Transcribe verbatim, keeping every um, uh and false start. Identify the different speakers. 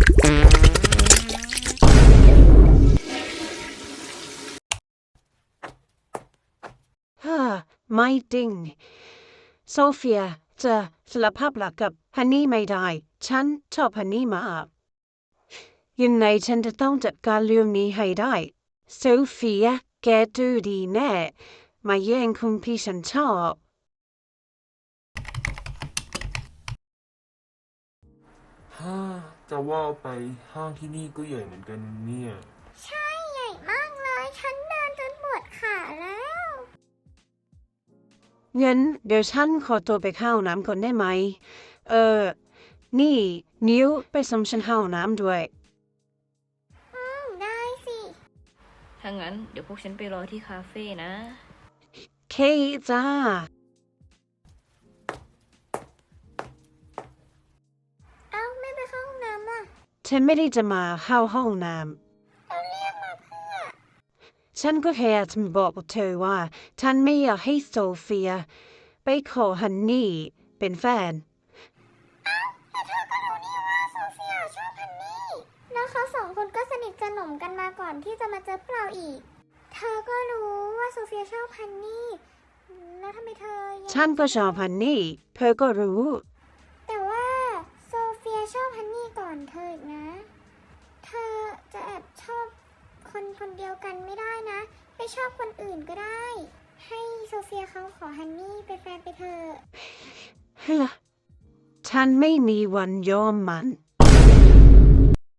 Speaker 1: ฮ่าไม่จริงโซเฟียจะสารภาพรักกับฮันนี่ไม่ได้ฉันชอบฮันนี่มากยังไงฉันจะต้องจัดการเรื่องนี้ให้ได้โซเฟียแกดูดีแน่มาแย่งคุณพี่ฉันชอบ
Speaker 2: ฮ่าจะว่าไปห้างที่นี่ก็ใหญ่เหมือนกันเนี่ย
Speaker 3: ใช่ใหญ่มากเลยฉันเดินจนปวดขาแล้ว
Speaker 1: งั้นเดี๋ยวฉันขอตัวไปเข้าน้ำก่อนได้ไหมเออนี่นิ้วไปส่งฉันเข้าน้ำด้วย
Speaker 3: อืมได้สิ
Speaker 4: ถ้างั้นเดี๋ยวพวกฉันไปรอที่คาเฟ่นะ
Speaker 1: เคจ้า
Speaker 3: เอ้าไม่ไปเข้าห้องน้ำอ่ะ
Speaker 1: ฉันไม่ได้จะมาเข้าห้องน้ำ
Speaker 3: เราเรียกมาเพื่อ
Speaker 1: ฉันก็แค่จะบอกเธอว่าฉันไม่อยากให้โซเฟียไปขอฮันนี่เป็นแฟน
Speaker 3: เอ้าแต่เธอก็รู้นี่ว่าโซเฟียชอบฮันนี่แล้วเขาสองคนก็สนิทสนมกันมาก่อนที่จะมาเจอพวกเราอีกเธอก็รู้ว่าโซเฟียชอบฮันนี่แล้วทำไมเธอยัง
Speaker 1: ฉันก็ชอบฮันนี่เธอก็รู้
Speaker 3: แต่ว่าโซเฟียชอบฮันนี่ก่อนเธออีกนะเธอจะแอบชอบคนคนเดียวกันไม่ได้นะไปชอบคนอื่นก็ได้ให้โซเฟียเขาขอฮันนี่เป็นแฟนไปเถอะ
Speaker 1: ฉันไม่มีวันยอมมัน